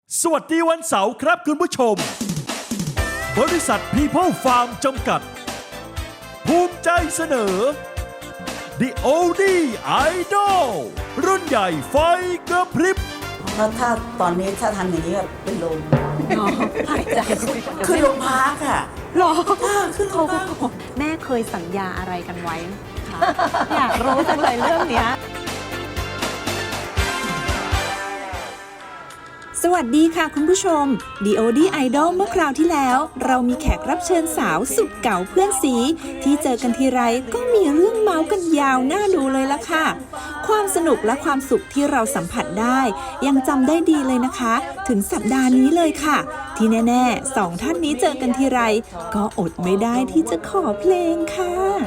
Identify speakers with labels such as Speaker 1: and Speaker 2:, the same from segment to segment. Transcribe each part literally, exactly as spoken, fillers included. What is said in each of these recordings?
Speaker 1: สวัสดีวันเสาร์ครับคุณผู้ชม บริษัท People Farm จำกัด ภูมิใจเสนอ The Oldie Idol รุ่นใหญ่ไฟกระพริบ
Speaker 2: ถ้าถ้าตอนนี้ถ้าทำอย่างนี้เป็นลม
Speaker 3: หายใจ
Speaker 2: ขึ้นโรงพักค่ะ
Speaker 3: หรอ
Speaker 2: ขึ้นโรงพัก
Speaker 3: แม่เคยสัญญาอะไรกันไว้คะอยากรู้จังเลยเรื่องเนี้ย
Speaker 4: สวัสดีค่ะคุณผู้ชม ดี โอ ดี Idol เมื่อคราวที่แล้ว เรามีแขกรับเชิญสาวสุดเก่าเพื่อนสี ที่เจอกันทีไรก็มีเรื่องเมาส์กันยาวน่าดูเลยล่ะค่ะ ความสนุกและความสุขที่เราสัมผัสได้ ยังจำได้ดีเลยนะคะ ถึงสัปดาห์นี้เลยค่ะ ที่แน่ๆสองท่านนี้เจอกันทีไร ก็อดไม่ได้ที่จะขอเพลงค่ะ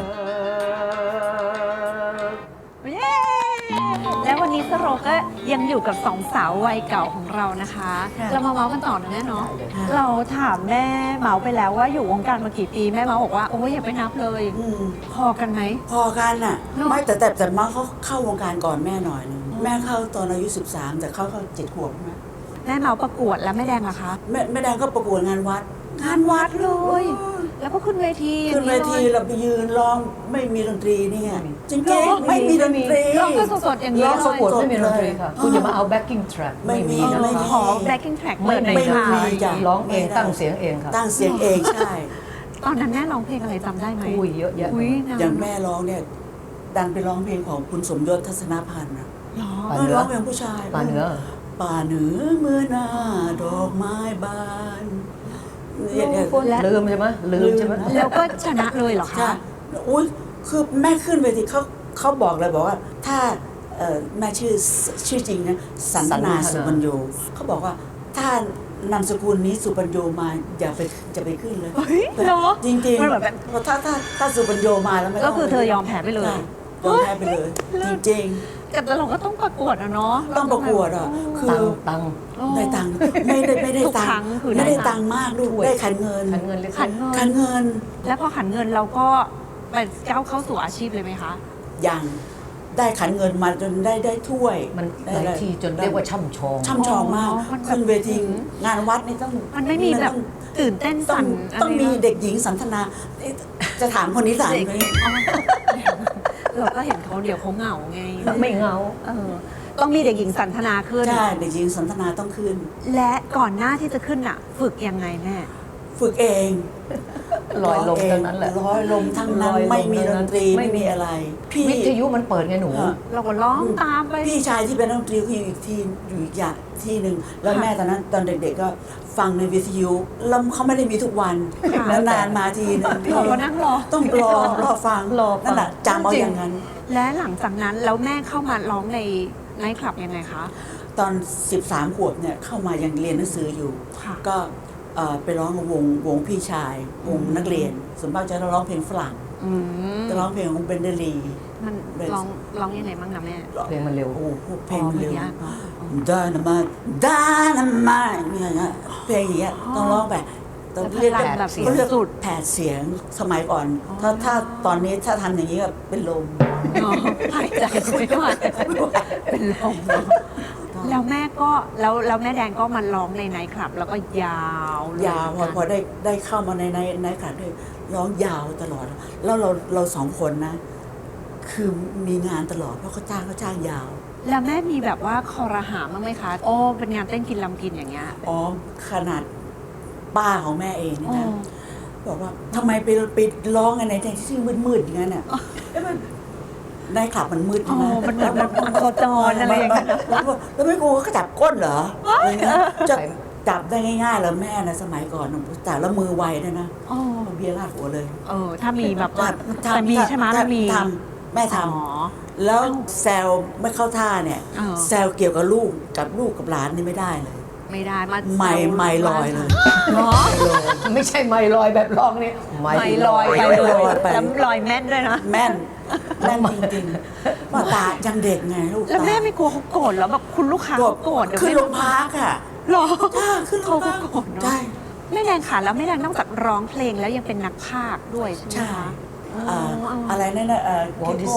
Speaker 3: เย้และวันนี้สโรก็ยังอยู่กับสองสาววัยเก่าของเรานะคะ เรามาเมาส์กันต่อนะแม่เนาะเราถามแม่เมาส์ไปแล้วว่าอยู่วงการมากี่ปีแม่เมาส์บอกว่าโอ้ยอย่าไปนับเลย
Speaker 2: อืม
Speaker 3: พอกันไหม
Speaker 2: พอกันน่ะ
Speaker 3: เนอะ
Speaker 2: ไม่แต่แต่แต่มาเขาเข้าวงการก่อนแม่หน่อยนึงแม่เข้าตอนอายุสิบสามแต่เขาเข้าเจ็ดขวบใช่ไหม
Speaker 3: แม่เมาส์ประกวดแล้วแม่แดงล่ะคะ
Speaker 2: แม่แม่แดงก็ประกวดงานวัด งานวัดเลย
Speaker 3: แล้วก็ขึ้นเวทีอย่า
Speaker 2: ขึ้น
Speaker 3: ง
Speaker 2: เว
Speaker 3: นี้
Speaker 2: ที
Speaker 3: เลย
Speaker 2: เราไปยืนร้องไม่มีดนตรีนี่ไงจริง
Speaker 3: ร้อง
Speaker 2: ๆไม่มีดนตรี
Speaker 3: ร้องก็สดๆอย่างนี้
Speaker 5: ร้อง
Speaker 3: เล
Speaker 5: ประ
Speaker 3: ย
Speaker 5: กวดไม่มีดนตรีค่ะ คุณอย่ามาเอา backing track
Speaker 2: ไม่มี
Speaker 3: เออ
Speaker 2: ไม่มี
Speaker 3: ขอ backing track
Speaker 5: ไม่
Speaker 3: เปิดหน่อย
Speaker 5: ไม่
Speaker 3: ค่ะ
Speaker 5: มี
Speaker 2: จ้ะ
Speaker 5: ร้องเอง
Speaker 2: ไม่ได้
Speaker 5: ตั้งเสียงเองค่ะ
Speaker 2: ตั้งเสียงเองใช่
Speaker 3: ตอนนั้นแม่ร้องเพลงอะไรจำได้ไหม
Speaker 5: อุ้ยเยอะแยะ
Speaker 3: อุ้ยนาน
Speaker 2: อย่างแม่ร้องเนี่ยดันไปร้องเพลงของคุณสมยศทัศนพันธ์นะ
Speaker 3: หรอ
Speaker 5: ป่า
Speaker 2: เอ
Speaker 5: เหนื
Speaker 2: อ
Speaker 5: อ
Speaker 2: ร้องเพลงผู้ชาย
Speaker 5: ป่าเหนือ
Speaker 2: ป่าเหนือเมื่อหน้าดอกไม้บานเนี่ยเนี่ย
Speaker 5: ลืมใช่ไหมลืมใช่ไหม
Speaker 3: แล้วก็ชนะเลยเหรอ
Speaker 2: ใช่
Speaker 3: คะ
Speaker 2: อุ้ยคือแม่ขึ้นเวทีเขาเขาบอกเลยบอกว่า ถ้าเอ่อแม่ชื่อชื่อจริงนะสันทนาสุปัญโยเขาบอกว่าถ้านามสกุลนี้สุปัญโยมาอย่าไปจะไปขึ้นเลย
Speaker 3: เฮ้ยเหรอ
Speaker 2: จริงจริง
Speaker 3: มันแบบ
Speaker 2: เพราะถ้าถ้าถ้าสุปัญโยมาแล้วไม่
Speaker 3: ก็คือเธอยอมแพ้ไปเลย
Speaker 2: ใช่ยอมแพ้ไปเลย จริง
Speaker 3: แต่เราก็ต้องประกวดอะเนาะ
Speaker 2: ๆ ต้องประกวดอ่ะคื
Speaker 5: ตั
Speaker 2: อง
Speaker 5: ตัง
Speaker 3: โอ้
Speaker 2: ได้ตังค์ไม่ได้ไม่ได้
Speaker 3: ทุก
Speaker 2: ตัง
Speaker 3: ครั้ง
Speaker 2: ค์
Speaker 3: คือได้
Speaker 2: ไม่ได้
Speaker 3: ตั
Speaker 2: ตั
Speaker 3: ง
Speaker 2: ง
Speaker 3: ค์
Speaker 2: ค์มากลูกได้ขันเงิน
Speaker 5: ขันเงินเล็ก
Speaker 3: ขันเงิ
Speaker 2: ขัน
Speaker 3: น
Speaker 2: เงิน
Speaker 3: แล้วพอขันเงินเราก็ไปก้าวเข้าสู่อาชีพเลยไหมคะ
Speaker 2: อย่างได้ขันเงินมาจนได้ได้ถ้วย
Speaker 5: มัน
Speaker 2: ได้
Speaker 5: หลายทีจนเรียกว่าช่ำชอง
Speaker 2: ช่ำชองมาก
Speaker 3: อ๋อมันแบบ
Speaker 2: ขึ้นเวทีงานวัดนี่ต้อง
Speaker 3: มันไม่มีแบบ
Speaker 2: ต้อง
Speaker 3: ตื่นเต้น
Speaker 2: ต้อง
Speaker 3: สั่น
Speaker 2: ต้องมี
Speaker 3: ะไรนะ
Speaker 2: เด็กหญิงสันทนาเอ๊ะจะถามคนนี้ถาม
Speaker 3: เด็ก
Speaker 2: คนนี้
Speaker 3: อ๋อเราก็เห็นเขาเดี๋ยวเขาเหงาไง
Speaker 5: ไม่เหงา
Speaker 3: เออต้องมีเด็กหญิงสันทนาขึ้น
Speaker 2: ใช่เด็กหญิงสันทนาต้องขึ้น
Speaker 3: และก่อนหน้าที่จะขึ้นอ่ะ ฝึกยังไงแม่
Speaker 2: ฝึกเอง
Speaker 5: ลอยลม
Speaker 2: เง
Speaker 5: ทั้งนั้นแหละ
Speaker 2: ร้อยลมทั้งนั้น
Speaker 5: ลอยลม
Speaker 2: ไม่มีด
Speaker 5: ทั้งนั้น
Speaker 2: นตรี
Speaker 5: ไม่
Speaker 2: ไม่
Speaker 5: มี
Speaker 2: มีอะไร พี่
Speaker 5: วิทยุมันเปิดไงหนู
Speaker 2: เออ
Speaker 3: เราก็ร้องตามไป
Speaker 2: พี่ชายที่เป็นนักดนตรีคืออีกทีอยู่อีกอย่างที่หนึ่งแล้ว
Speaker 3: ค่ะ
Speaker 2: แม่ตอนนั้นตอนเด็กๆก็ฟังในวิทยุแล้วเขาไม่ได้มีทุกวัน
Speaker 3: ค่ะ
Speaker 2: แล้วนานมาทีนึง
Speaker 3: เราก็นั่งรอ
Speaker 2: ต้องรอรอฟัง
Speaker 5: รอฟัง
Speaker 2: นั่นแหละจำเอา
Speaker 5: จริง
Speaker 2: อย่างนั้น
Speaker 3: และหลังจากนั้นแล้วแม่เข้ามาร้องในไนท์คลับยังไงคะ
Speaker 2: ตอน สิบสาม ขวบเนี่ยเข้ามายังเรียนหนังสืออยู่
Speaker 3: ค่ะ
Speaker 2: ก็เอ่อไปร้องกับวงวงพี่ชาย วงนักเรียนส่วนมากจะร้องเพลงฝรั่ง
Speaker 3: อืม
Speaker 2: จะร้องเพลงของเบนเดลี
Speaker 3: มัน
Speaker 2: เป็น
Speaker 3: ร้องร้องยังไงบ้างนะแม่
Speaker 5: เพลงมันเร็ว
Speaker 2: โอ้โหเพลงมันเร็ว
Speaker 3: อ๋อเพลงยาก
Speaker 2: ดานามาดานามาเนี่ยเพลงอย่างเงี้ยต้องร้องแบบต้องเรียก
Speaker 3: พลังแบบ
Speaker 2: เขาเรียก
Speaker 3: สุด
Speaker 2: แผดเสียงสมัยก่อน ถ้าถ้าตอนนี้ถ้าทำอย่างนี้ก็เป็นลม
Speaker 3: อ๋อหายใจไม่ไหวเป็นลมแล้วแม่ก็แล้วแล้วแม่แดงก็มาร้องในไนท์คลับ แล้วก็ยาวเลย
Speaker 2: ยาวพอพอได้ได้เข้ามาในในในขันด้วยร้องยาวตลอด แล้วเราเราสองคนนะ คือมีงานตลอดเพราะเขาจ้างเขาจ้างยาว
Speaker 3: แล้วแม่มีแบบว่าคอรหาบ้างไหมคะโอ้เป็นงานเต้นกินลำกินอย่างเงี้ย
Speaker 2: อ๋อขนาดป้าของแม่เองเนี่ยนะ
Speaker 3: อ๋อ
Speaker 2: บอกว่าทำไมไปไปร้องกันในที่มืดๆอย่างนั้นน่ะเอ๊ะมันในคลับมันมืด
Speaker 3: อ๋
Speaker 2: ใช่ไหม
Speaker 3: อมันแบบมันโคจรอะไรอย่างเงี้ย
Speaker 2: แล้วบอกแล้วไม่กลัวเขาจับก้นเหรออะไรเงี้ยจะจับได้ง่ายๆแล้วแม่นะสมัยก่อนน่ะจับแล้วมือไวด้วยนะ
Speaker 3: อ๋อ
Speaker 2: เอาเบียร์ราดหัวเลย
Speaker 3: เออถ้ามีแบบว่า
Speaker 2: ทำ
Speaker 3: แต่มีใช่ไหม
Speaker 2: ทำ
Speaker 3: มันมี
Speaker 2: ทำแม่ท
Speaker 3: อ๋อ
Speaker 2: ำแล้วแซวไม่เข้าท่าเนี่ย
Speaker 3: เออ
Speaker 2: แซวเกี่ยวกับลูกกับลูกกับหลานนี่ไม่ได้เลย
Speaker 3: ไม่ได้มา
Speaker 2: ไม่ไม่ลอยเลย
Speaker 3: เนาะ
Speaker 5: ไม่ใช่ไม่ลอยแบบร้องนี่
Speaker 3: ไม่ลอยไป
Speaker 2: ไม่
Speaker 3: เล
Speaker 2: ลอย
Speaker 3: ย
Speaker 2: ไป
Speaker 3: แล้วลอยแม่นด้วยนะ
Speaker 2: แม่นแม่นจริงๆว่าตายังเด็กไงลูก
Speaker 3: แล้วแม่
Speaker 2: ตา
Speaker 3: ไม่กลัวเขาโกรธแล้วแบบคุณลูกค้าเขาโกรธเดี๋ยว
Speaker 2: ขึ้น
Speaker 3: แม่
Speaker 2: โรงพักอ่ะ
Speaker 3: หรอ
Speaker 2: จ้าขึ้นโรงพัก
Speaker 3: เขาก็โกรธเนอะ
Speaker 2: ใช่
Speaker 3: แม่แดงค่ะแล้วแม่แดงนอกจากร้องเพลงแล้วยังเป็นนักพากย์ด้วยใช่ไหม
Speaker 2: ใช่
Speaker 3: คะ
Speaker 2: อ่า
Speaker 3: อ๋อ
Speaker 2: อะไรนั่นน่ะเอ่อ
Speaker 5: Walt
Speaker 2: เกโก้
Speaker 5: Disney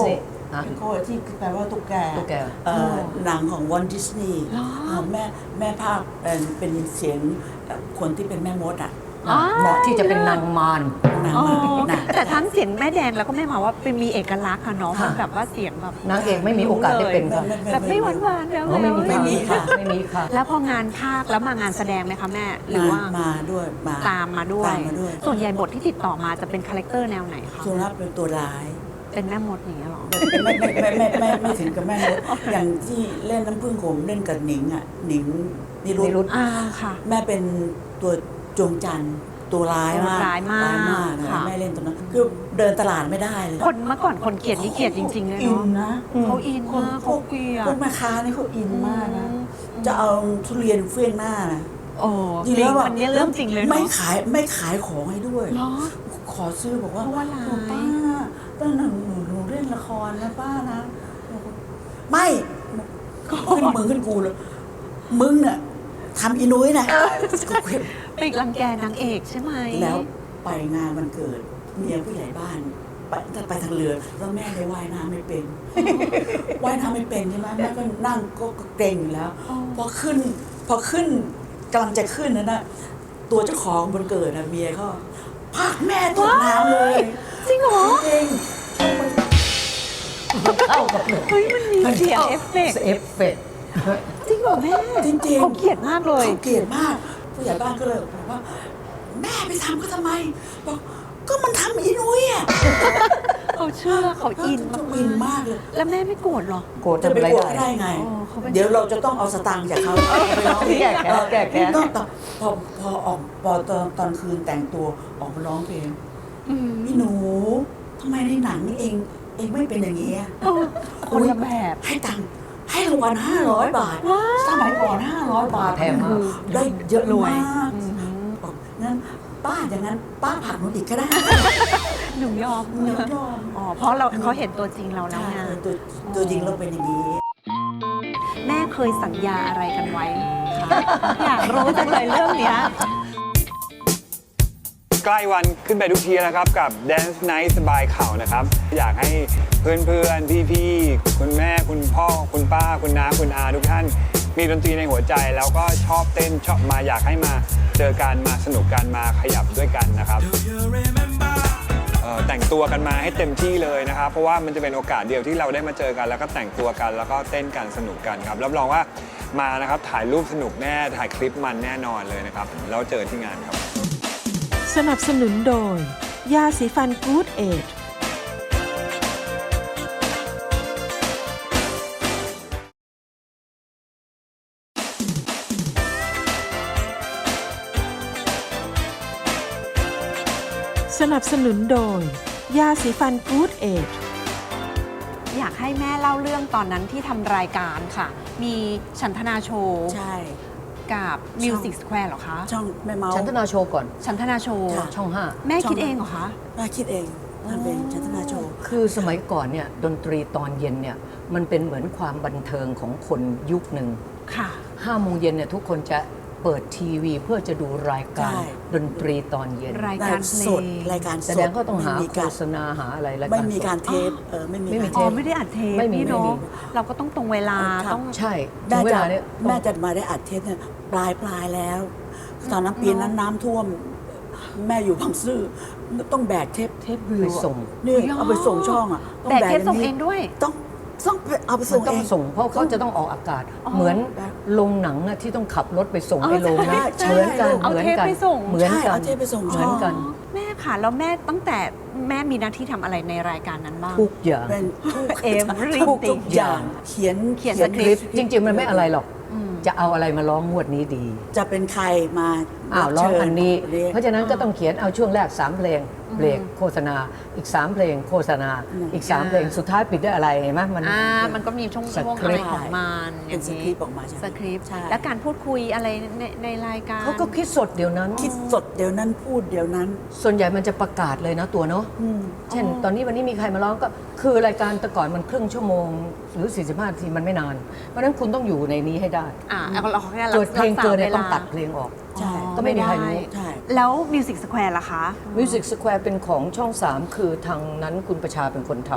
Speaker 5: ฮะ
Speaker 2: เอ็กโคที่แปลว่าตุ๊กแก
Speaker 5: ตุ๊กแก
Speaker 2: เอ่อหนังของวอลดิสนีย์
Speaker 3: เหรอ
Speaker 2: แม่แม่ภาคเอ่อเป็นเสียงเอ่อคนที่เป็นแม่มดอ่ะ
Speaker 3: อ๋อ
Speaker 5: เหมาะที่จะเป็นนางมาร
Speaker 2: นาง
Speaker 3: อ๋อ
Speaker 2: มาหนัง
Speaker 3: แต่ทั้งเสียงแม่แดงแล้วก็แม่หมาว่าเป็นมีเอกลักษณ์ค่ะเนาะ
Speaker 5: ค่ะ
Speaker 3: มันแบบว่าเสียงแบบ
Speaker 5: นางเอกไม่มีโอกาสได้เป็นค่ะ
Speaker 3: แบบไม่หวานหวานๆแล้ว
Speaker 5: อ๋อไม่มี
Speaker 2: ไม่มีค่ะ
Speaker 5: ไม่มีค่ะ
Speaker 3: แล้วพองานภาคแล้วมางานแสดงไหมคะแม่หรือว่า
Speaker 2: มาด้วยมา
Speaker 3: ตามมาด้วย
Speaker 2: ตามมาด้วย
Speaker 3: ส่วนใหญ่บทที่ติดต่อมาจะเป็นคาแรคเตอร์แนวไหนคะ
Speaker 2: ส่วนมากเป็นตัวร้าย
Speaker 3: เป็นแม่มดอย่างเงี้ยหรอ
Speaker 2: ไม่ไม่ไม่ไม่ไม่ไม่ถึงกับแม่มดอย่างที่เล่นน้ำผึ้งโขมเล่นกับหนิงอ่ะหนิงนิรุ
Speaker 5: นิรุ
Speaker 2: ต
Speaker 5: ธ
Speaker 3: อ่าค่ะ
Speaker 2: แม่เป็นตัวจงจันทร์ตัวร้ายมาก
Speaker 3: ร้ายมาก
Speaker 2: ร้ายมากนะ
Speaker 3: ค่ะ
Speaker 2: แม่เล่นตัวนั้นคือเดินตลาดไม่ได้เลย
Speaker 3: คนเมื่อก่อนคนเกลียดนี่เกลียดจริงๆเลย
Speaker 2: อิน
Speaker 3: เนาะ
Speaker 2: นะ
Speaker 3: เขาอินมากเขาเกลีย
Speaker 2: พว
Speaker 3: ด
Speaker 2: กแม่ค้านี่เขาอินมากนะ
Speaker 3: อืม
Speaker 2: จะเอาทุเรียนเฟี้ยงหน้านะ
Speaker 3: โอ้จริง
Speaker 2: แล้วแบบ
Speaker 3: อันนี้เรื่องจริงเลย
Speaker 2: ไม่
Speaker 3: เนาะ
Speaker 2: ขายไม่ขายของให้ด้วย
Speaker 3: เหรอ
Speaker 2: ขอซื้อบอกว่า
Speaker 3: เพราะว่าร้าย
Speaker 2: โอ้ป้าป้าหนูหนูหนูเล่นละครนะป้านะไม่ขึ้นมึงขึ้นกูเลยมึงเนี่ยทำอีนุ้ยนะ
Speaker 3: ไปรังแกนางเอกใช่ไหม
Speaker 2: แล้วไปงานวันเกิดเมียผู้ใหญ่บ้าน ไปไปทางเรือแล้วแม่ได้ว่ายน้ำไม่เป็น ว่ายน้ำไม่เป็นใช่ไหมแม่ก็นั่งก็เกรงอยู่แล้ว
Speaker 3: อ๋อ
Speaker 2: พอขึ้น พอขึ้นกำลังจะขึ้นนั่นนะตัวเจ้าของวันเกิดนะเมียเขาพากแม่ตกน้ำเลย
Speaker 3: จริงเหรอ
Speaker 2: จริง
Speaker 5: เข้ากับเลย
Speaker 3: เฮ้ยมันมีเสียงเอฟเฟกต์
Speaker 5: เอฟเฟกต์
Speaker 3: จริงเหรอแม่
Speaker 2: จริงๆ
Speaker 3: เขาเกลียดมากเลย
Speaker 2: เขาเกลียดมาก ผู้ใหญ่บ้านก็เลยบอกว่า แม่ไปทำก็ทำไมบอกก็มันทำอีนุ้ยอ่ะ
Speaker 3: เขาเชื่อเขาอิน
Speaker 2: เขาอินมากเลย
Speaker 3: แล้วแม่ไม่โกรธเหรอ
Speaker 5: โกรธ
Speaker 2: จะ
Speaker 5: ทำ
Speaker 2: ไป
Speaker 5: อะไร
Speaker 2: โกรธ
Speaker 5: ได้
Speaker 2: ได้ไง
Speaker 3: อ๋อเขาเป็น
Speaker 2: เดี๋ยวเราจะต้องเอาสตางค์จากเขาไปร้อง
Speaker 5: แก้แค้นแก้แค้น
Speaker 2: ต้องต้องพอพอออกพอตอนตอนคืนแต่งตัวออกมาร้องเพลง
Speaker 3: อืม
Speaker 2: พี่หนูทำไมในหนังนี่เองเองไม่เป็นอย่างนี้อะ
Speaker 3: เออคนละแบบ
Speaker 2: ให้ตังค์ให้รางวัลห้าร้อยบาท
Speaker 3: ว้าว
Speaker 2: สมัยก่อนห้าร้อยบาท
Speaker 5: แพงมาก
Speaker 2: ได้เยอะ
Speaker 3: รวย
Speaker 2: มากบอกงั้นป้าอย่างนั้นป้าผลักหนูอีกก็ได้
Speaker 3: หนูยอม
Speaker 2: หนูยอม
Speaker 3: อ๋อเพราะเราเขาเห็นตัวจริงเราแล้ว
Speaker 2: ใช่
Speaker 3: ไง
Speaker 2: ตัวตัวจริงเราเป็นอย่างนี้
Speaker 3: แม่เคยสัญญาอะไรกันไว้คะอยากรู้จังเลยเรื่องเนี้ย
Speaker 6: ใกล้วันขึ้นไปทุกทีแล้วครับกับ Dance Night สบายเข่านะครับ อยากให้เพื่อนๆ พี่ๆ คุณแม่คุณพ่อ คุณป้า คุณน้าคุณอาทุกท่าน มีดนตรีในหัวใจแล้วก็ชอบเต้นชอบมาอยากให้มาเจอกันมาสนุกกันมาขยับด้วยกันนะครับเอ่อแต่งตัวกันมาให้เต็มที่เลยนะครับ เพราะว่ามันจะเป็นโอกาสเดียวที่เราได้มาเจอกัน แล้วก็แต่งตัวกันแล้วก็เต้นกันสนุกกันครับรับรองว่ามานะครับถ่ายรูปสนุกแน่ถ่ายคลิปมันแน่นอนเลยนะครับแล้วเจอที่งานครับ
Speaker 7: สนับสนุนโดย ยาสีฟันกู๊ดเอจสนับสนุนโดย ยาสีฟันกู๊ดเอจ
Speaker 3: อยากให้แม่เล่าเรื่องตอนนั้นที่ทำรายการค่ะ มีฉันทนาโชว์
Speaker 2: ใช่
Speaker 3: กับ Music Square เหรอคะ
Speaker 2: ช่องแม่เมา
Speaker 5: ฉันธนาโชว์ก่อน
Speaker 3: ฉันทนาโชว์
Speaker 2: ค่ะ
Speaker 5: ช่องห้า
Speaker 3: แม่คิดเองเหรอคะ
Speaker 2: แม่คิดเองทำเป็นชันธนาโชว์
Speaker 5: คือสมัยก่อนเนี่ยดนตรีตอนเย็นเนี่ยมันเป็นเหมือนความบันเทิงของคนยุคหนึ่ง
Speaker 3: ค่ะ
Speaker 5: ห้าโมงเย็นเนี่ยทุกคนจะเปิดทีวีเพื่อจะดูรายการ
Speaker 2: ใช่
Speaker 5: ดนตรีตอนเย็น
Speaker 3: รายการเพล
Speaker 2: สด
Speaker 3: ง
Speaker 2: รายการสด
Speaker 5: แสดงก็ต้องหา
Speaker 2: ไม่มี
Speaker 5: โฆ
Speaker 2: การ
Speaker 5: ษณาหาอะไรราย
Speaker 2: ไม่
Speaker 5: การ
Speaker 2: มี
Speaker 5: สด
Speaker 2: การเทปเออไม่มี
Speaker 5: ไม่มี
Speaker 2: การ
Speaker 5: เท
Speaker 3: อ๋อ
Speaker 5: ป
Speaker 3: ไม่ได้อัดเทป
Speaker 5: ไม่มี
Speaker 3: นี่
Speaker 5: ไม่
Speaker 3: เนาะ
Speaker 5: มี
Speaker 3: เราก็ต้องตรงเวลา
Speaker 2: ครับ
Speaker 3: ต้อง
Speaker 5: ใช่ถึ
Speaker 2: แม่
Speaker 5: งเว
Speaker 2: จะ
Speaker 5: ลาเนี่ย
Speaker 2: แม่จะมาได้อัดเทปเนี่ยปลายปลายแล้ว ตอนนั้นปีนั้นน้ำท่วม แม่อยู่บางซื่อต้องแบกเทปเทปวิว
Speaker 5: ไป
Speaker 2: อะ
Speaker 5: ส่ง
Speaker 2: นี่เอาไปส่งช่องอ่ะต้อง
Speaker 3: แต่เทปส่ง
Speaker 2: ย่า
Speaker 3: เองด้วย
Speaker 2: ต้องต้องเอาไป
Speaker 5: มั
Speaker 2: ส่
Speaker 5: น
Speaker 2: ง
Speaker 5: ต้
Speaker 2: เอ
Speaker 5: อง
Speaker 2: ง
Speaker 5: ส่งเพราะเขาจะต้องออกอากาศ
Speaker 3: อ๋อ
Speaker 5: เหมือนโรงหนังอะที่ต้องขับรถไปส่ง
Speaker 3: อ๋อ
Speaker 5: ไอ้โรง
Speaker 2: ใช่
Speaker 5: นะ
Speaker 2: ใช่
Speaker 5: เหมือนกัน
Speaker 3: เอา
Speaker 5: เหมือน
Speaker 3: เทป
Speaker 5: กัน
Speaker 3: ไปส่ง
Speaker 5: เหมือน
Speaker 2: ใช่
Speaker 5: กัน
Speaker 2: เอาเทปไปส่ง
Speaker 5: เหมือนกัน
Speaker 3: อ๋อแม่ค่ะ แล้วแม่ตั้งแต่แม่มีหน้าที่ทำอะไรในรายการนั้นบ้าง
Speaker 5: ทุกอย่าง
Speaker 2: เป็นทุก
Speaker 3: Everything
Speaker 2: ทุกทุกอย่างเขียน
Speaker 3: เขียน
Speaker 5: เขียนคลิปจริง ๆ มันไม่อะไรหรอก
Speaker 3: อืม
Speaker 5: จะเอาอะไรมาร้องงวดนี้ดี
Speaker 2: จะเป็นใครมา
Speaker 5: อ้าวร้องอันนี้
Speaker 2: เรียก
Speaker 5: เพราะฉะนั้นก็ต้องเขียนเอาช่วงแรกสามเพลงเบรกโฆษณา อีกสามเพลงโฆษณา
Speaker 2: อืม
Speaker 5: อีกสามเพลงสุดท้ายปิดด้วยอะไรเห็นไหมมัน
Speaker 3: อ่ามันก็มีช่วง
Speaker 5: ส
Speaker 3: ช่วง
Speaker 5: ค
Speaker 3: อะ
Speaker 5: ริ
Speaker 3: ไร
Speaker 5: ปต์
Speaker 3: ของมันอ
Speaker 2: เป็
Speaker 3: ย่าน ง
Speaker 2: ส
Speaker 3: นี้
Speaker 2: คริปต์ออกมาใช่ไหม
Speaker 3: สคริปต์
Speaker 2: ใช่
Speaker 3: และการพูดคุยอะไรในในรายการ
Speaker 5: เขาก็คิดสดเดี๋ยวนั้น
Speaker 2: คิดสดเดี๋ยวนั้นพูดเดี๋ยวนั้น
Speaker 5: ส่วนใหญ่มันจะประกาศเลยนะตัวเนาะ
Speaker 2: อืม
Speaker 5: เช่น ตอนนี้วันนี้มีใครมาร้องก็คือรายการแต่ก่อนมันครึ่งชั่วโมง หรือ สี่สิบห้านาทีมันไม่นาน เพราะฉะนั้นคุณต้องอยู่ในนี้ให้ได้
Speaker 3: อ่าเราเราแค่
Speaker 5: เกิดเพลงเกินเนี่ย
Speaker 3: รั
Speaker 5: ต้อง
Speaker 3: ษา
Speaker 5: ตัดเพลงออก
Speaker 2: ใช่
Speaker 5: ก็ไม่มีใครรู้
Speaker 2: ใช่
Speaker 3: แล้ว Music Square ล่ะคะ
Speaker 5: Music Square เป็นของช่อง สาม คือทางนั้นคุณประชาเป็นคนทำ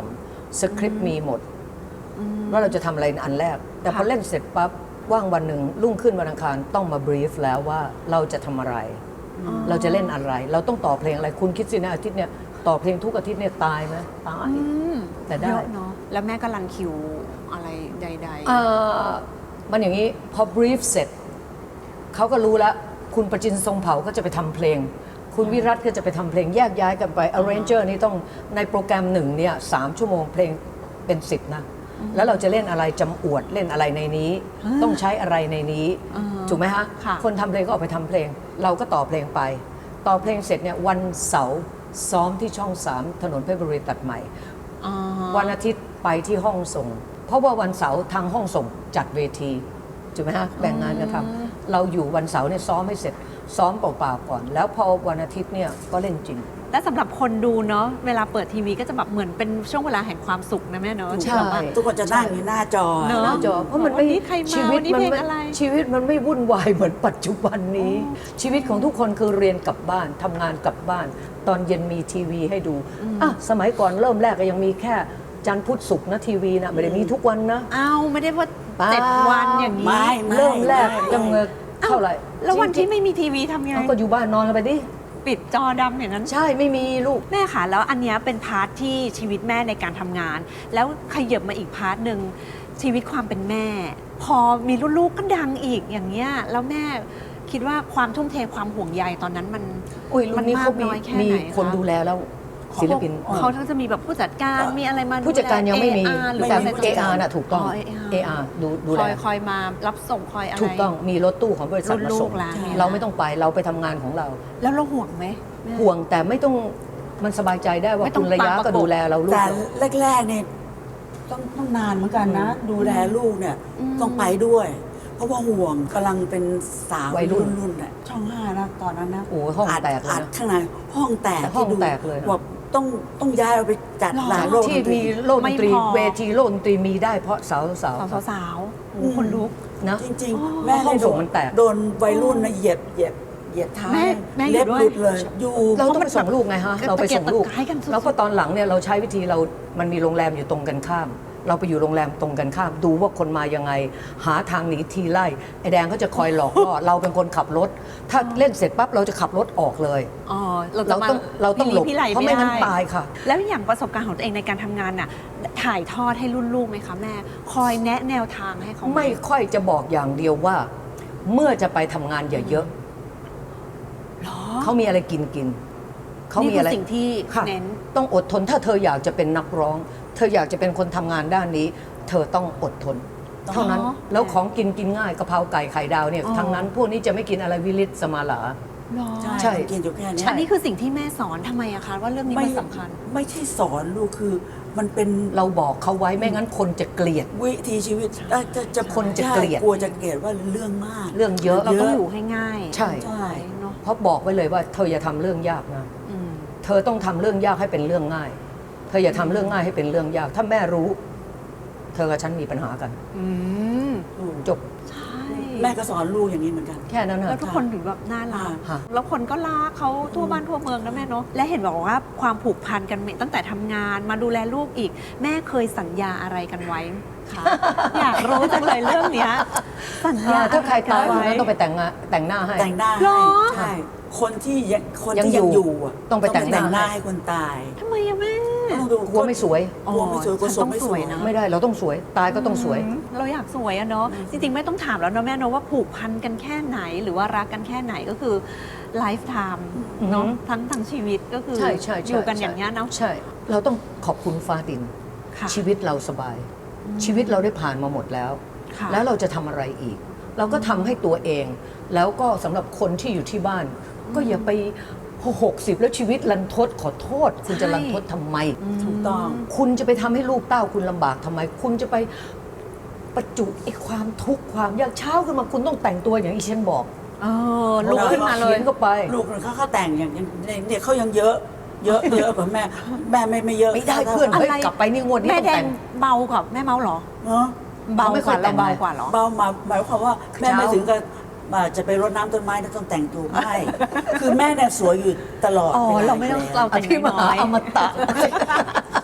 Speaker 5: สคริปต์มีหมดว่าเราจะทำอะไรอันแรก แต่พอเล่นเสร็จปั๊บว่างวันหนึ่งรุ่งขึ้นวันอังคารต้องมาบรีฟแล้วว่าเราจะทำอะไร เราจะเล่นอะไร เราต้องต่อเพลงอะไรคุณคิดสินะอาทิตย์เนี่ยต่อเพลงทุกอาทิตย์เนี่ยตายไหมตายแต่ได้
Speaker 3: เยอะเนาะแล้วแม่ก็รันคิวอะไรใด
Speaker 5: เอ่อมันอย่างนี้พอบรีฟเสร็จเขาก็รู้แล้วคุณประจินทรงเผ่าก็จะไปทำเพลง คุณวิรัตก็จะไปทำเพลงแยกย้ายกันไป arranger นี่ต้องในโปรแกรมหนึ่งเนี่ยสามชั่วโมงเพลงเป็นสิบนะแล้วเราจะเล่นอะไรจำอวดเล่นอะไรในนี้ ต้องใช้อะไรในนี้ถูกไหมฮะ
Speaker 3: ค่ะ
Speaker 5: คนทำเพลงก็ออกไปทำเพลง เราก็ต่อเพลงไป ต่อเพลงเสร็จเนี่ยวันเสาร์ซ้อมที่ช่องสามถนนเพชรบุรีตัดใหม่
Speaker 3: ๆอ๋อ
Speaker 5: วันอาทิตย์ไปที่ห้องส่ง เพราะว่าวันเสาร์ทางห้องส่งจัดเวทีถูกไหมฮะแบ่งงานกันทำเราอยู่วันเสาร์เนี่ยซ้อมให้เสร็จซ้อมเปล่าๆก่อน แล้วพอวันอาทิตย์เนี่ยก็เล่นจริง
Speaker 3: และสำหรับคนดูเนาะเวลาเปิดทีวีก็จะแบบเหมือนเป็นช่วงเวลาแห่งความสุขนะแม่เนาะ
Speaker 5: ใช่
Speaker 3: ที่แบบว่า
Speaker 2: ทุกคนจะนั่งอยู่หน้าจอ
Speaker 3: เนอะ
Speaker 5: หน้าจอเพราะมันไม่
Speaker 3: วันนี้ใครมา
Speaker 5: ชีวิต
Speaker 3: วันนี้
Speaker 5: มั
Speaker 3: เพลง
Speaker 5: ไม่
Speaker 3: อะไร
Speaker 5: ชีวิตมันไม่วุ่นวายเหมือนปัจจุบันนี้ ชีวิตของทุกคนคือเรียนกลับบ้านทำงานกลับบ้าน ตอนเย็นมีทีวีให้ดูอ่ะสมัยก่อนเริ่มแรกก็ยังมีแค่จันทร์พุธศุกร์นะทีวีนะไม่ได้มีทุกวันนะ
Speaker 3: อ้าวไม่ได้ว่า
Speaker 5: เปล่า
Speaker 3: เจ็ดวันอย่างนี้
Speaker 2: ไม่ไม่
Speaker 5: เริ่มแรก
Speaker 2: ไม่
Speaker 5: ยังเงินเท่าไหร่
Speaker 3: แล้ววันที่ไม่มีทีวีทำไง
Speaker 5: เราก็อยู่บ้านนอนกันไปดิ
Speaker 3: ปิดจอดำอย่างนั้น
Speaker 5: ใช่ไม่มีลูก
Speaker 3: แม่ค่ะแล้วอันเนี้ยเป็นพาร์ทที่ชีวิตแม่ในการทำงาน แล้วขยับมาอีกพาร์ทหนึ่งชีวิตความเป็นแม่ พอมีลูกๆก็ดังอีกอย่างเงี้ยแล้วแม่คิดว่าความทุ่มเทความห่วงใยตอนนั้นมัน
Speaker 5: อุ้ยรุ่
Speaker 3: มัน
Speaker 5: นนี้
Speaker 3: มา
Speaker 5: เขา
Speaker 3: ก
Speaker 5: มี
Speaker 3: น้อยแค่
Speaker 5: มี
Speaker 3: ไหน
Speaker 5: คน
Speaker 3: คะ
Speaker 5: ดูแลแล้วศิลปิน
Speaker 3: เขาทั้งจะมีแบบผู้จัดการมีอะไรมา
Speaker 5: ผู้จัดการยังไม่มี
Speaker 3: เออาร์หรือ
Speaker 5: แต่
Speaker 3: เป็น
Speaker 5: เออาร์น่ะถูกต้อง
Speaker 3: อ๋อ
Speaker 5: เออาร์ดูดู
Speaker 3: ค
Speaker 5: แล
Speaker 3: อยคอยมารับส่งคอยอะไร
Speaker 5: ถูกต้องมีรถตู้ของบริษัทมาส่ง
Speaker 3: รุ่นลูกหลานเนี่ยนะ
Speaker 5: เราไม่ต้องไปเราไปทำงานของเรา
Speaker 3: แล้วเราห่วงไหมแม่
Speaker 5: ห่วงแต่ไม่ต้องมันสบายใจได้ว่า
Speaker 3: ไม่ต้อ
Speaker 5: คุ
Speaker 3: ง
Speaker 5: ณระยะ
Speaker 3: ตามประกบ
Speaker 5: ก็ดูแลเราลูก
Speaker 2: แต่
Speaker 5: เรา
Speaker 2: แรกๆเนี่ยต้องต้องนานเหมือนกันนะ ดูแลลูกเนี่ยต้องไปด้วย เพราะว่าห่วงกำลังเป็นสาว
Speaker 5: วัยรุ่น
Speaker 2: รุ่นๆน่ะช่องห้านะตอนนั้นนะ
Speaker 5: โอ้ห้อง
Speaker 2: ด
Speaker 5: แตกเลยนะ
Speaker 2: อัดข้างในห้องแตก
Speaker 5: ห้อง
Speaker 2: ที่ดู
Speaker 5: แตกเลยนะ
Speaker 2: ว่าต้องต้องย้ายเราไปจัด
Speaker 3: หรอ
Speaker 2: หลานโลก
Speaker 5: ที่
Speaker 2: ดนตรี
Speaker 5: มีโลกดนตรี
Speaker 3: ไม่พอ
Speaker 5: เวทีโลกดนตรีมีได้เพราะสาวสาว
Speaker 3: สาวสาวๆโอ้โหคนลุก
Speaker 5: นะ
Speaker 2: จริง
Speaker 3: อ๋อ
Speaker 2: ๆ แม่
Speaker 5: ห้อง
Speaker 2: เลย
Speaker 5: ส่
Speaker 2: โด
Speaker 5: ง
Speaker 2: น
Speaker 5: มันแตก
Speaker 2: โดนวัยรุ่นนะเหยียบเหยียบเหยียบเท้า
Speaker 3: แม่แม่อยู่
Speaker 2: เล็บ
Speaker 3: ด้วย
Speaker 2: หลุดเลย อยู่
Speaker 5: เราต้องไปส่งลูกไงฮะ
Speaker 3: กระ
Speaker 5: เราไปส่งลูก
Speaker 3: ตะเกียกตะกายกันสุดๆ
Speaker 5: แล้วก็ตอนหลังเนี่ยเราใช้วิธีเรา มันมีโรงแรมอยู่ตรงกันข้าม เราไปอยู่โรงแรมตรงกันข้าม ดูว่าคนมายังไง หาทางหนีทีไล่ไอ้แดงเขาจะคอยหลอกล่อ เราเป็นคนขับรถ ถ้าเล่นเสร็จปั๊บเราจะขับรถออกเลย
Speaker 3: อ๋อเราจะ
Speaker 5: เรา
Speaker 3: มา
Speaker 5: ต้องเราต้องหลบ
Speaker 3: พี่ไหล
Speaker 5: เพราะไม่งั้น
Speaker 3: ด้
Speaker 5: ตายค่ะ
Speaker 3: แล้วอย่างประสบการณ์ของตัวเองในการทำงานน่ะถ่ายทอดให้รุ่นลูกไหมคะแม่ คอยแนะแนวทางให้เขาห
Speaker 5: ไม่ค่อยจะบอกอย่างเดียวว่า เมื่อจะไปทำงานอย่าเยอะ
Speaker 3: หรอ
Speaker 5: เขามีอะไรกินกินเขา
Speaker 3: นี่
Speaker 5: มี
Speaker 3: คื
Speaker 5: อะไร
Speaker 3: สิ่งที่
Speaker 5: ค่ะ
Speaker 3: เน้น
Speaker 5: ต้องอดทนถ้าเธออยากจะเป็นนักร้อง เธออยากจะเป็นคนทำงานด้านนี้ เธอต้องอดทน เท่านั้น
Speaker 3: อ๋อ
Speaker 5: แล้วของกินกินง่ายกะเพราไก่ไข่ดาวเนี่ย
Speaker 3: อ๋อ
Speaker 5: ทั้งนั้นพวกนี้จะไม่กินอะไรวิลิตสมาลา
Speaker 3: หรอ
Speaker 2: ใช่
Speaker 5: ใช่
Speaker 2: กินอยู่แค่เนี้ย
Speaker 3: อันนี้คือสิ่งที่แม่สอนทำไมอะคะว่าเรื่องนี้มันสำคัญ
Speaker 2: ไม่ใช่สอนลูกคือมันเป็น
Speaker 5: เราบอกเขาไว้ไม่งั้นคนจะเกลียด
Speaker 2: วิถีชีวิตเอ่อจะจะ
Speaker 5: คนจะเกลียด
Speaker 2: ใช่กลัวจะเกลียดว่าเรื่องมาก
Speaker 5: เรื่องเยอะ
Speaker 3: เราต้องอยู่ให้ง่าย
Speaker 5: ใช่
Speaker 2: ใช่
Speaker 3: เนาะ
Speaker 5: เพราะบอกไว้เลยว่าเธออย่าทำเรื่องยากนะ
Speaker 3: อืม
Speaker 5: เธอต้องทำเรื่องยากให้เป็นเรื่องง่าย เธออย่าทำเรื่องง่ายให้เป็นเรื่องยาก ถ้าแม่รู้ เธอกับฉันมีปัญหากัน
Speaker 3: อืม
Speaker 5: จบ
Speaker 3: ใช่
Speaker 2: แม่ก็สอนลูกอย่างนี้เหมือนกัน
Speaker 5: แค่นั้น
Speaker 3: แล้ว
Speaker 5: นะ
Speaker 3: ทุกคนถึงแบบน่ารัก
Speaker 5: ค่ะ
Speaker 3: แล้วคนก็รักเขาทั่วบ้านทั่วเมืองนะแม่เนาะ และเห็นบอกว่าความผูกพันกันตั้งแต่ทำงานมาดูแลลูกอีก แม่เคยสัญญาอะไรกันไว้คะ อยากรู้จังเลยเรื่องเนี้ยสัญญา
Speaker 5: ถ้าใครตายคน
Speaker 3: ไว้
Speaker 5: นั้นต้องไปแต่งงานแต่งหน้าให้
Speaker 2: แต่งหน้า
Speaker 3: หร
Speaker 2: ให้
Speaker 3: อ
Speaker 2: ใช่คนที่ยังคน
Speaker 5: ยัง
Speaker 2: ที่ยัง
Speaker 5: อ
Speaker 2: อยู่ ยู่อะ
Speaker 5: ต้องไปแต่งหน้า
Speaker 2: หน้าให้คนตาย
Speaker 3: ทำไมอะแม่
Speaker 2: ต้องดู
Speaker 5: กลัวไม่สวย
Speaker 2: กลัวไม่สวยกลัว
Speaker 3: ฉัน
Speaker 2: ส
Speaker 3: ต้
Speaker 2: ม
Speaker 3: อง
Speaker 2: ไม่
Speaker 3: ส
Speaker 2: ส
Speaker 3: ว
Speaker 2: วย ย
Speaker 3: นะ
Speaker 5: ไม่ได้เราต้องสวย ตายก็ต้องสวย
Speaker 3: อืมเราอยากสวยอะเนาะ จริงๆ ไม่ต้องถามแล้วเนาะแม่เนาะว่าผูกพันกันแค่ไหน หรือว่ารักกันแค่ไหนก็คือไลฟ์ไทม์เนาะ
Speaker 5: อือหือ
Speaker 3: ทั้งทั้งชีวิตก็คือ
Speaker 5: ใช่ใช่ใช่
Speaker 3: อยู่กันอย่างเงี้ยเนาะ
Speaker 5: ใช่ เราต้องขอบคุณฟ้าดิน
Speaker 3: ค่ะ
Speaker 5: ชีวิตเราสบาย ชีวิตเราได้ผ่านมาหมดแล้ว
Speaker 3: ค่ะ
Speaker 5: แล้วเราจะทำอะไรอีก เราก็ทำให้ตัวเอง แล้วก็สำหรับคนที่อยู่ที่บ้าน ก็อย่าไปพอหกสิบแล้วชีวิตรันทดขอโทษ คุณจะรันทดทำไม
Speaker 2: ถูกต้อง
Speaker 5: คุณจะไปทำให้ลูกเต้าคุณลำบากทำไม คุณจะไปประจุไอ้ความทุกข์ความยากเช้าขึ้นมาคุณต้องแต่งตัวอย่างที่ฉันบอก
Speaker 3: เออลุกขึ้นมาเลย
Speaker 5: ขีนก็ไป
Speaker 2: ลูกเขาเขาแต่งอย่างเนี่ยเขายังเยอะ เยอะเยอะกว่าแม่ แม่ไม่ไม่เยอะ
Speaker 5: ไม่ได้เพื่อน
Speaker 3: อะ
Speaker 5: เฮ้ย
Speaker 3: ไร
Speaker 5: กลับไปนี่งวดนี้
Speaker 3: แม่
Speaker 5: ต้อง
Speaker 3: แด
Speaker 5: แต่
Speaker 3: ง
Speaker 5: ง
Speaker 3: เบากว่าแม่เมาเหรอ
Speaker 2: เนาะ
Speaker 3: เบา
Speaker 5: ไม่
Speaker 3: ก
Speaker 5: ค่อ
Speaker 3: ว่าย
Speaker 5: แต่
Speaker 3: เรา
Speaker 5: ง
Speaker 3: เบากว่าเหรอ
Speaker 2: เบามาหมายความว่าแม่
Speaker 5: เช้า
Speaker 2: ไม่ถึงกับอ่าจะไปรดน้ำต้นไม้แล้วต้องแต่งตัวไม่ คือแม่เนี่ยสวยอยู่ตลอด
Speaker 3: อ๋อ
Speaker 2: วล
Speaker 3: เราไม่ต้อง
Speaker 2: แล้ว
Speaker 3: เรา
Speaker 5: อภิมหาอมตะ
Speaker 3: เ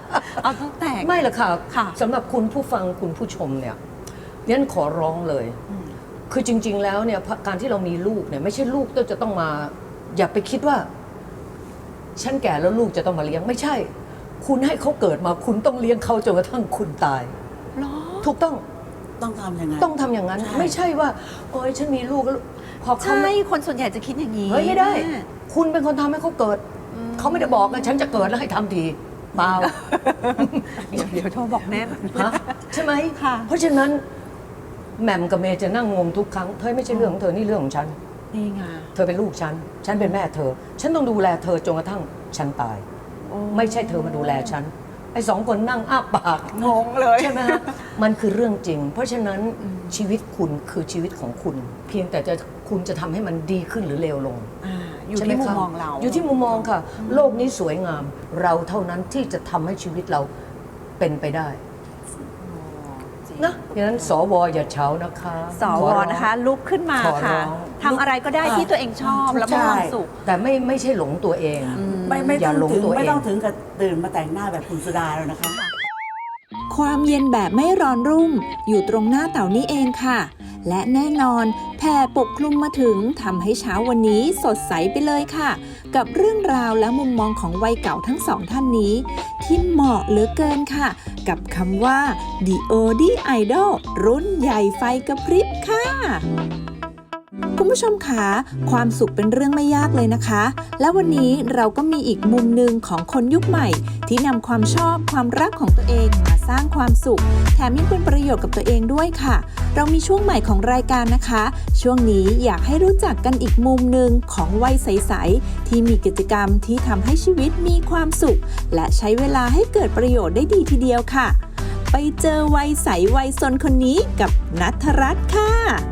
Speaker 3: เอาต้องแตก
Speaker 5: ไม่หรอกค่ะ
Speaker 3: ค่ะ
Speaker 5: สำหรับคุณผู้ฟังคุณผู้ชมเนี่ยเรียนขอร้องเลย คือจริง ๆ แล้วเนี่ยการที่เรามีลูกเนี่ยไม่ใช่ลูกต้องจะต้องมา อย่าไปคิดว่า ฉันแก่แล้วลูกจะต้องมาเลี้ยงไม่ใช่ คุณให้เขาเกิดมาคุณต้องเลี้ยงเขาจนกระทั่งคุณตาย
Speaker 3: หรอ
Speaker 5: ถูกต้อง
Speaker 2: ต้องทำอย่างนั้น
Speaker 5: ต้องทำอย่างนั้น
Speaker 2: ใช่
Speaker 5: ไม่ใช่ว่าโอ้ยฉันมีลูกแล้วพอเขา
Speaker 3: ใช่
Speaker 5: ไม่
Speaker 3: คนส่วนใหญ่จะคิดอย่างนี้
Speaker 5: เฮ้ยไม่ได้
Speaker 3: แม่
Speaker 5: คุณเป็นคนทำให้เขาเกิด เขาไม่ได้บอกนะฉันจะเกิดแล้วให้ทำทีเปล่า
Speaker 3: เดี๋ยวเดี๋ยวโทรบอกแม่
Speaker 5: ฮะใช่ไหม
Speaker 3: ค่ะ
Speaker 5: เพราะฉะนั้นแหม่มกับเมย์จะนั่งงงทุกครั้งเธอไม่ใช่เรื่องของเธอนี่เรื่องของฉัน
Speaker 3: นี่ไง
Speaker 5: เธอเป็นลูกฉัน ฉันเป็นแม่เธอ ฉันต้องดูแลเธอจนกระทั่งฉันตาย ไม่ใช่เธอมาดูแลฉัน ไอ้สองคนนั่งอ้าปาก
Speaker 3: งงเลย
Speaker 5: ใช่ไหมฮะ มันคือเรื่องจริง เพราะฉะนั้นชีวิตคุณคือชีวิตของคุณ เพียงแต่จะคุณจะทำให้มันดีขึ้นหรือเลวลง
Speaker 3: อ่าอยู่
Speaker 5: ใช่ไห
Speaker 3: ที่มุม
Speaker 5: คะ
Speaker 3: มองเรา
Speaker 5: อยู่ที่มุมมองค่ะ โลกนี้สวยงาม เราเท่านั้นที่จะทำให้ชีวิตเราเป็นไปได้นะดังนั้นสวอย่าเฉานะคะ
Speaker 3: ส
Speaker 5: ข
Speaker 3: ว
Speaker 5: อร้อง
Speaker 3: นะคะ ลุกขึ้นมา
Speaker 5: ขอร้
Speaker 3: ค่ะ
Speaker 5: อง
Speaker 3: ทำอะไรก็ได้ที่ตัวเองชอบแล้วมีความสุข
Speaker 5: แต่ไม่ไม่ใช่หลงตัวเอง
Speaker 2: ไม่ไม่
Speaker 5: อย่า
Speaker 2: ต้อง
Speaker 5: หลง
Speaker 2: ถึง
Speaker 5: ตัวเอง
Speaker 2: ไม่ต้องถึงกับตื่นมาแต่งหน้าแบบคุณสุดาแล้วนะคะ
Speaker 4: ความเย็นแบบไม่ร้อนรุ่มอยู่ตรงหน้าเต่านี้เองค่ะ และแน่นอนแผ่ปกคลุมมาถึงทำให้เช้าวันนี้สดใสไปเลยค่ะ กับเรื่องราวและมุมมองของวัยเก่าทั้งสองท่านนี้ ที่เหมาะเหลือเกินค่ะ กับคำว่า ดี โอ ดี Idol รุ่นใหญ่ไฟกระพริบค่ะ คุณผู้ชมคะความสุขเป็นเรื่องไม่ยากเลยนะคะ และวันนี้เราก็มีอีกมุมหนึ่งของคนยุคใหม่ ที่นำความชอบความรักของตัวเองมาสร้างความสุข แถมยังเป็นประโยชน์กับตัวเองด้วยค่ะ เรามีช่วงใหม่ของรายการนะคะ ช่วงนี้อยากให้รู้จักกันอีกมุมหนึ่งของวัยใสๆที่มีกิจกรรมที่ทำให้ชีวิตมีความสุข และใช้เวลาให้เกิดประโยชน์ได้ดีทีเดียวค่ะ ไปเจอวัยใสวัยซนคนนี้กับณัฐรัตน์ค่ะ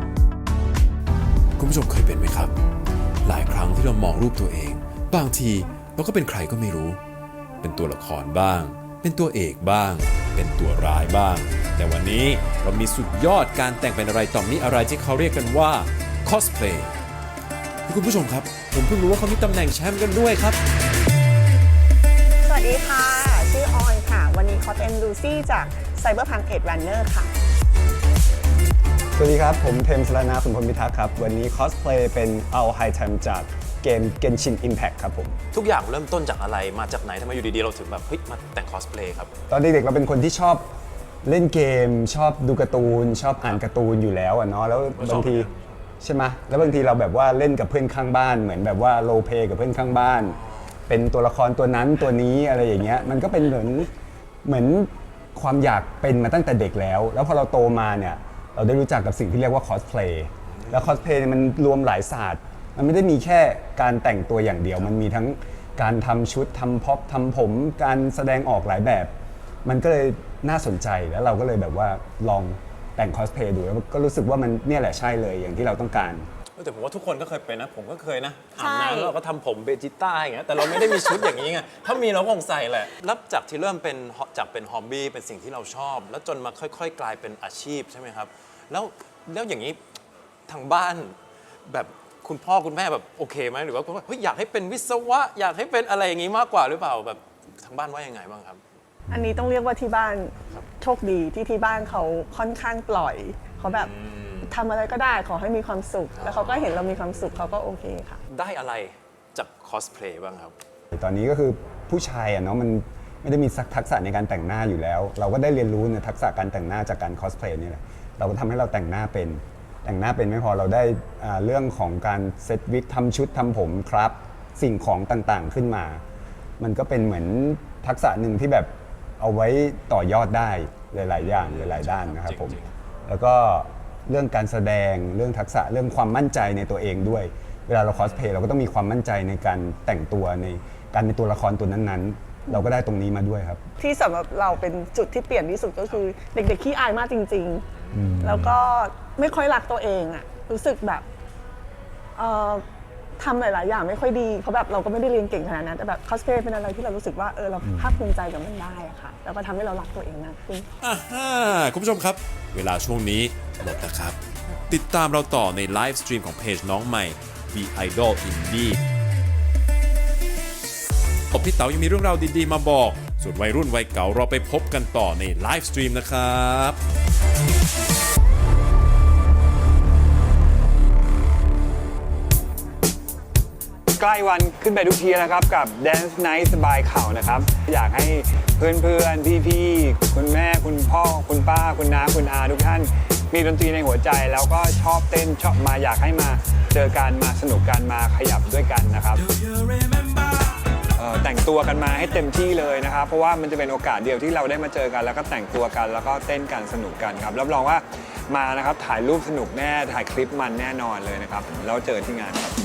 Speaker 8: คุณผู้ชมเคยเป็นไหมครับ หลายครั้งที่เรามองรูปตัวเอง บางทีเราก็เป็นใครก็ไม่รู้ เป็นตัวละครบ้าง เป็นตัวเอกบ้าง เป็นตัวร้ายบ้าง แต่วันนี้เรามีสุดยอดการแต่งเป็นอะไรต่อมีอะไรที่เขาเรียกกันว่า cosplay คุณผู้ชมครับ ผมเพิ่งรู้ว่าเขามีตำแหน่งแชมป์กันด้วยครับ
Speaker 9: สวัสดีค่ะ ชื่อออนค่ะ วันนี้เขาเป็นลูซี่จาก Cyberpunk Edge Runner ค่ะ
Speaker 6: สวัสดีครับ ผมเทมสรนาสุนพลพิทักษ์ครับ วันนี้คอสเพลย์เป็นเอาไฮไทม์จากเกม Genshin Impact ครับผม
Speaker 10: ทุกอย่างเริ่มต้นจากอะไรมาจากไหนทำไมอยู่ดีๆ เราถึงแบบเฮ้ยมาแต่งคอสเพลย์ครับ
Speaker 6: ตอนเด็กๆเราเป็นคนที่ชอบเล่นเกม ชอบดูการ์ตูน ชอบอ่านการ์ตูนอยู่แล้วอะเนาะแล้วบางทีใช่ไหมแล้วบางทีเราแบบว่าเล่นกับเพื่อนข้างบ้านเหมือนแบบว่าโรลเพลย์กับเพื่อนข้างบ้าน เป็นตัวละครตัวนั้นตัวนี้อะไรอย่างเงี้ยมันก็เป็นเหมือนเหมือนความอยากเป็นมาตั้งแต่เด็กแล้ว แล้วพอเราโตมาเนี่ยเราได้รู้จักกับสิ่งที่เรียกว่าคอสเพลย์แล้วคอสเพลย์มันรวมหลายศาสตร์มันไม่ได้มีแค่การแต่งตัวอย่างเดียว มันมีทั้งการทำชุดทำพ็อปทำผมการแสดงออกหลายแบบ มันก็เลยน่าสนใจแล้วเราก็เลยแบบว่าลองแต่งคอสเพลย์ดูแล้วก็รู้สึกว่ามันเนี่ยแหละใช่เลยอย่างที่เราต้องการ
Speaker 10: แต่ผมว่าทุกคนก็เคยเป็นนะ ผมก็เคยนะอา
Speaker 3: ใช่
Speaker 10: บน้ำแล้วเราก็ทำผมเบจิต้าอย่างเงี้ยแต่เราไม่ได้มีชุดอย่างนี้ไงถ้ามีเราก็คงใส่แหละแล้วจากที่เริ่มเป็นจากเป็นฮอบบี้เป็นสิ่งที่เราชอบ แล้วจนมาค่อยๆ กลายเป็นอาชีพใช่ไหมครับแล้วแล้วอย่างนี้ทางบ้านแบบคุณพ่อคุณแม่แบบโอเคไหมหรือว่าเฮ้ยอยากให้เป็นวิศวะอยากให้เป็นอะไรอย่างนี้มากกว่าหรือเปล่าแบบทางบ้านว่ายังไงบ้างครับ
Speaker 9: อันนี้ต้องเรียกว่าที่บ้านโชคดีที่ที่บ้านเขาค่อนข้างปล่อย เขาแบบทำอะไรก็ได้ขอให้มีความสุข แล้วเขาก็เห็นเรามีความสุขเขาก็โอเคค่ะ
Speaker 10: ได้อะไรจากคอสเพลย์บ้างครับ
Speaker 6: ตอนนี้ก็คือผู้ชายอะเนาะมันไม่ได้มีทักษะในการแต่งหน้าอยู่แล้ว เราก็ได้เรียนรู้ในทักษะการแต่งหน้าจากการคอสเพลย์นี่แหละเราก็ทำให้เราแต่งหน้าเป็นแต่งหน้าเป็นไม่พอเราได้อ่าเรื่องของการเซตวิกทำชุดทำผมครับสิ่งของต่างๆขึ้นมา มันก็เป็นเหมือนทักษะหนึ่งที่แบบเอาไว้ต่อยอดได้หลายๆอย่างหลายๆด้านนะครับผมแล้วก็เรื่องการแสดงเรื่องทักษะเรื่องความมั่นใจในตัวเองด้วยเวลาเราคอสเพลย์เราก็ต้องมีความมั่นใจในการแต่งตัวในการเป็นตัวละครตัวนั้นๆเราก็ได้ตรงนี้มาด้วยครับ
Speaker 9: ที่สำหรับเราเป็นจุดที่เปลี่ยนที่สุดก็คือเด็กๆขี้อายมากจริง ๆ แล้วก็ไม่ค่อยรักตัวเองอะรู้สึกแบบเอ่อทำหลายๆอย่างไม่ค่อยดีเพราะแบบเราก็ไม่ได้เรียนเก่งขนาดนั้นแต่แบบคอสเพลย์เป็นอะไรที่เรารู้สึกว่าเออเราภาคภูมิใจกับมันได้อะค่ะแล้วก็ทำให้เรารักตัวเองมากขึ้น
Speaker 8: อ่าฮะคุณผู้ชมครับ เวลาช่วงนี้หมดแล้วครับ ติดตามเราต่อในไลฟ์สตรีมของเพจน้องใหม่ The Idol Indie พี่เต๋ายังมีเรื่องราวดีๆมาบอกส่วนวัยรุ่นวัยเก่าเราไปพบกันต่อในไลฟ์สตรีมนะครับ
Speaker 6: ใกล้วันขึ้นไปทุกทีนะครับกับ Dance Night สบายเข่านะครับอยากให้เพื่อนๆพี่ๆคุณแม่คุณพ่อคุณป้าคุณน้าคุณอาทุกท่านมีดนตรีในหัวใจแล้วก็ชอบเต้นชอบมาอยากให้มาเจอกันมาสนุกกันมาขยับด้วยกันนะครับแต่งตัวกันมาให้เต็มที่เลยนะครับเพราะว่ามันจะเป็นโอกาสเดียวที่เราได้มาเจอกันแล้วก็แต่งตัวกันแล้วก็เต้นกันสนุกกันครับรับรองว่ามานะครับถ่ายรูปสนุกแน่ถ่ายคลิปมันแน่นอนเลยนะครับแล้วเจอที่งานครับ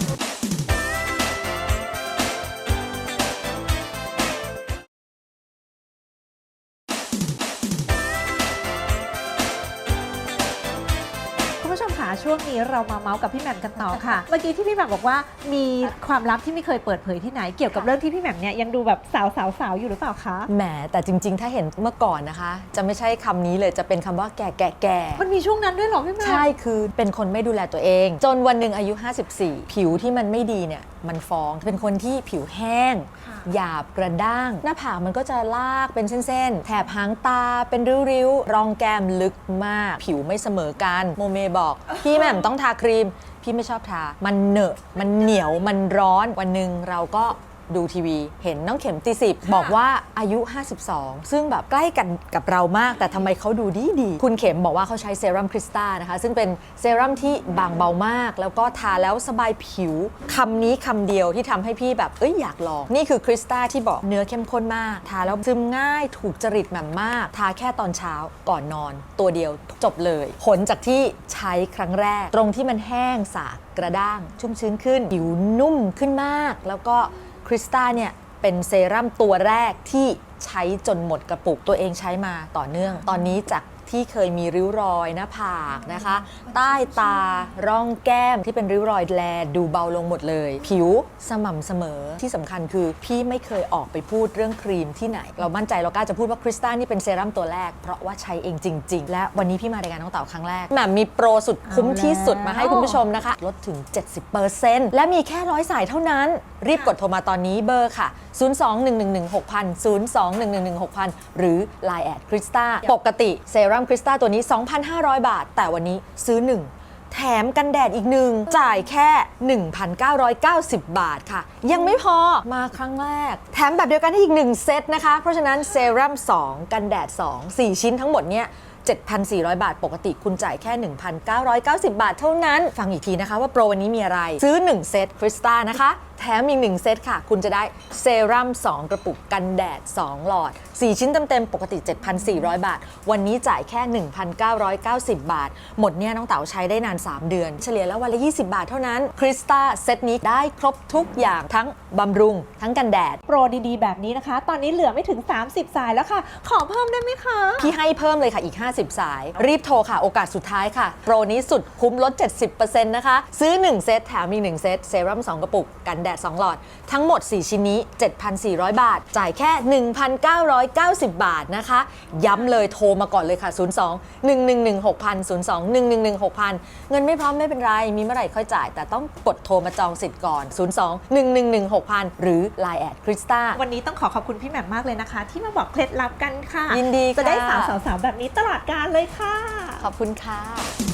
Speaker 3: คุณผู้ชมคะช่วงนี้เรามาเมาส์กับพี่แหม่มกันต่อค่ะ เมื่อกี้ที่พี่แหม่มบอกว่ามีความลับที่ไม่เคยเปิดเผยที่ไหนเกี่ยวกับเรื่องที่พี่แหม่มเนี่ยยังดูแบบสาวสาวสาวอยู่หรือเปล่าคะ
Speaker 11: แหมแต่จริงๆ ถ้าเห็นเมื่อก่อนนะคะ จะไม่ใช่คำนี้เลยจะเป็นคำว่าแก่แก่แก่
Speaker 3: มันมีช่วงนั้นด้วยเหรอพี่แหม่ม
Speaker 11: ใช่คือเป็นคนไม่ดูแลตัวเอง จนวันหนึ่งอายุห้าสิบสี่ผิวที่มันไม่ดีเนี่ยมันฟ้องเป็นคนที่ผิวแห้งหยาบกระด้างหน้าผากมันก็จะลากเป็นเส้นๆแถบหางตาเป็นริ้วๆรองแก้มลึกมากผิวไม่เสมอกันโมเมบอกพี่แหม่มต้องทาครีมพี่ไม่ชอบทามันเหนอะมันเหนียวมันร้อนวันหนึ่งเราก็ดูทีวีเห็นน้องเข็มตีสิบบอกว่าอายุห้าสิบสองซึ่งแบบใกล้กันกับเรามากแต่ทำไมเขาดูดีดีคุณเข็มบอกว่าเขาใช้เซรั่มคริสตานะคะซึ่งเป็นเซรั่มที่บางเบามากแล้วก็ทาแล้วสบายผิวคำนี้คำเดียวที่ทำให้พี่แบบเอ้ยอยากลองนี่คือคริสตาที่บอกเนื้อเข้มข้นมากทาแล้วซึมง่ายถูกจริตแหม่มมากทาแค่ตอนเช้าก่อนนอนตัวเดียวจบเลยผลจากที่ใช้ครั้งแรกตรงที่มันแห้งสากกระด้างชุ่มชื้นขึ้นผิวนุ่มขึ้นมากแล้วก็คริสตาเนี่ยเป็นเซรั่มตัวแรกที่ใช้จนหมดกระปุกตัวเองใช้มาต่อเนื่องตอนนี้จากที่เคยมีริ้วรอยหน้าผากนะคะใต้ตาร่องแก้มที่เป็นริ้วรอยแลดูเบาลงหมดเลยผิวสม่ำเสมอที่สำคัญคือพี่ไม่เคยออกไปพูดเรื่องครีมที่ไหนเรามั่นใจเรากล้าจะพูดว่าคริสตานี่เป็นเซรั่มตัวแรกเพราะว่าใช้เองจริงๆและวันนี้พี่มารายการน้องเต๋าครั้งแรกแหม่มมีโปรสุดคุ้มที่สุดมาให้คุณผู้ชมนะคะลดถึง เจ็ดสิบเปอร์เซ็นต์ และมีแค่ร้อยสายเท่านั้นรีบกดโทรมาตอนนี้เบอร์ค่ะศูนย์ สอง หนึ่ง หนึ่ง หนึ่ง หก ศูนย์ ศูนย์ สอง หนึ่ง หนึ่ง หนึ่ง หก ศูนย์ หรือ ไลน์ แอท คริสตา ปกติเซรั่มคริสตาตัวนี้ สองพันห้าร้อย บาทแต่วันนี้ซื้อหนึ่งแถมกันแดดอีกหนึ่งจ่ายแค่ หนึ่งพันเก้าร้อยเก้าสิบ บาทค่ะยังไม่พอมาครั้งแรกแถมแบบเดียวกันให้อีกหนึ่งเซตนะคะเพราะฉะนั้นเซรั่มสองกันแดดสอง สี่ชิ้นทั้งหมดเนี่ยเจ็ดพันสี่ร้อย บาทปกติคุณจ่ายแค่ หนึ่งพันเก้าร้อยเก้าสิบ บาทเท่านั้นฟังอีกทีนะคะว่าโปรวันนี้มีอะไรซื้อหนึ่งเซตคริสตานะคะแถมอีกหนึ่งเซตค่ะคุณจะได้เซรั่มสองกระปุกกันแดดสองหลอดสี่ชิ้นเต็มๆปกติ เจ็ดพันสี่ร้อย บาทวันนี้จ่ายแค่ หนึ่งพันเก้าร้อยเก้าสิบ บาทหมดเนี่ยน้องเต๋าใช้ได้นานสามเดือนเฉลี่ยแล้ววันละยี่สิบบาทเท่านั้นคริสตาเซตนี้ได้ครบทุกอย่างทั้งบำรุงทั้งกันแดด
Speaker 3: โปรดีๆแบบนี้นะคะตอนนี้เหลือไม่ถึงสามสิบสายแล้วค่ะขอเพิ่มได้ไหมคะ
Speaker 11: พี่ให้เพิ่มเลยค่ะอีกห้าสิบสายรีบโทรค่ะโอกาสสุดท้ายค่ะโปรนี้สุดคุ้มลด เจ็ดสิบเปอร์เซ็นต์ นะคะซื้อหนึ่งเซตแถมอีกหนึ่งเซตเซรั่มสองกระปุกกันแดดสองหลอดทั้งหมดสี่ชิ้นนี้ เจ็ดพันสี่ร้อย บาทจ่ายแค่ หนึ่งพันเก้าร้อยเก้าสิบ บาทนะคะย้ำเลยโทรมาก่อนเลยค่ะศูนย์ สอง หนึ่ง หนึ่ง หนึ่ง หก ศูนย์ ศูนย์ สอง หนึ่ง หนึ่ง หนึ่ง หก ศูนย์ เงินไม่พร้อมไม่เป็นไรมีเมื่อไหร่ค่อยจ่ายแต่ต้องกดโทรมาจองสิทธิ์ก่อนศูนย์ สอง หนึ่ง หนึ่ง หนึ่ง หก ศูนย์ หรือ ไลน์ แอท คริสตา
Speaker 3: วันนี้ต้องขอขอบคุณพี่แหม่มมากเลยนะคะที่มาบอกเคล็ดลับกันค่ะ
Speaker 11: ยินดีค่ะ
Speaker 3: จะได้สาวๆแบบนี้ตลอดกาลเลยค่ะ
Speaker 11: ขอบคุณค่ะ